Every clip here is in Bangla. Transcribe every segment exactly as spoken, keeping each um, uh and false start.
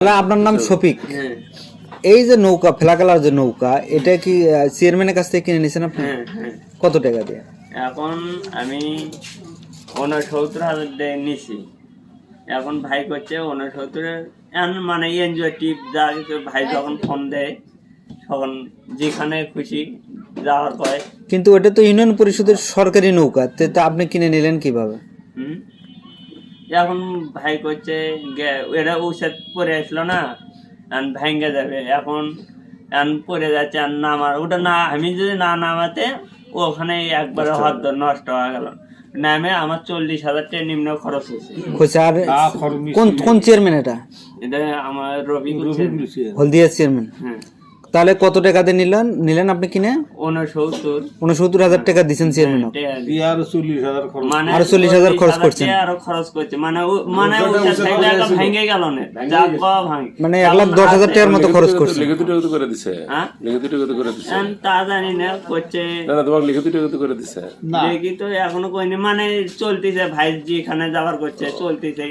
আপনার নাম শফিক। হ্যাঁ এই যে নৌকা ফেলাকালার যে নৌকা, এটা কি চেয়ারম্যানের কাছ থেকে কিনে নিয়েছেন আপনি? হ্যাঁ হ্যাঁ কত টাকা দিয়ে? এখন আমি ঊনসত্তর হাজার দিয়ে নিছি। এখন ভাই করছে ঊনসত্তরের মানে এনজিও টিপ যা কিছু ভাই যখন ফোন দেয় তখন যেখানে খুশি যাওয়ার পরে। কিন্তু ওটা তো ইউনিয়ন পরিষদের সরকারি নৌকা, তে তা আপনি কিনে নিলেন কিভাবে? হুম এখন ভাই করছে এটা ঔষধ পরে আসলো না, ভেঙে যাবে, এখন পরে যাচ্ছে আর নামার ওটা না, আমি যদি না নামাতে ওখানে একবারে হদ্দ নষ্ট হয়ে গেল। নামে আমার চল্লিশ হাজার টাকা নিম্ন খরচ হয়েছে। আর কোন কোন চেয়ারম্যান এটা? এটা আমার রবি হলদিয়া চেয়ারম্যান। হ্যাঁ তাহলে কত টাকা দিয়ে নিলেন নিলেন আপনি কিনে? ঊনসত্তর উনসত্তর হাজার টাকা দিচ্ছেন চেয়ারম্যান, মানে আরো চল্লিশ হাজার খরচ করছেন, আরো খরচ করছে মানে মানে ভেঙে গেল না, মানে এক লাখ দশ হাজার টাকার মতো খরচ করছে। তা জানি না করছে লিখিত এখনো কইনি, মানে চলতেছে ভাই যেখানে যাবার করছে চলতেছে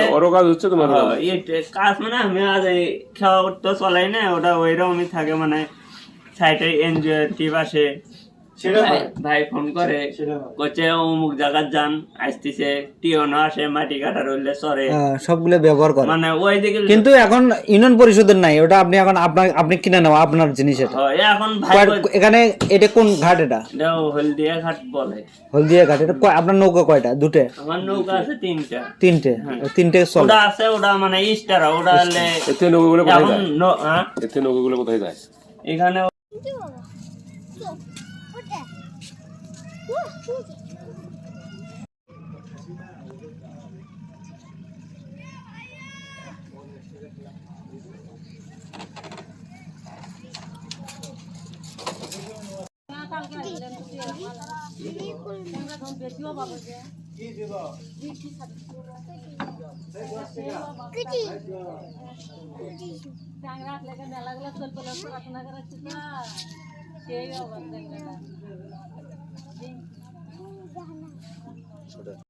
কাজ। মানে আমি আজ খাওয়া তো চলাই না, ওটা ওইরকমই থাকে। মানে সাইটে এনজিও টিপ আসে, ভাই ফোন করে করছে অমুক জায়গার যান আসতেছে, টিওনো আসে, মাটি কাটা রইলে সরে সবগুলো ব্যবহার করে মানে ওই দিকে। কিন্তু এখন ইউনিয়ন পরিষদের নাই ওটা, আপনি এখন আপনার আপনি কিনে নেওয়া আপনার জিনিস এটা। এখন ভাই এখানে এটা কোন ঘাট? এটা হলদিয়া ঘাট বলে। হলদিয়া ঘাট। এটা আপনার নৌকা কয়টা? দুটো? আমার নৌকা আছে তিনটা। তিনটে? তিনটে চলে। ওটা আছে, ওটা মানে ইস্টার, ওটা হলে এতে নৌকাগুলো কোথায় যায়? হ্যাঁ এতে নৌকাগুলো কোথায় যায়? এখানে মেলাগুলো চলতে পড়াশোনা করাচ্ছি না, সেই অবস্থা।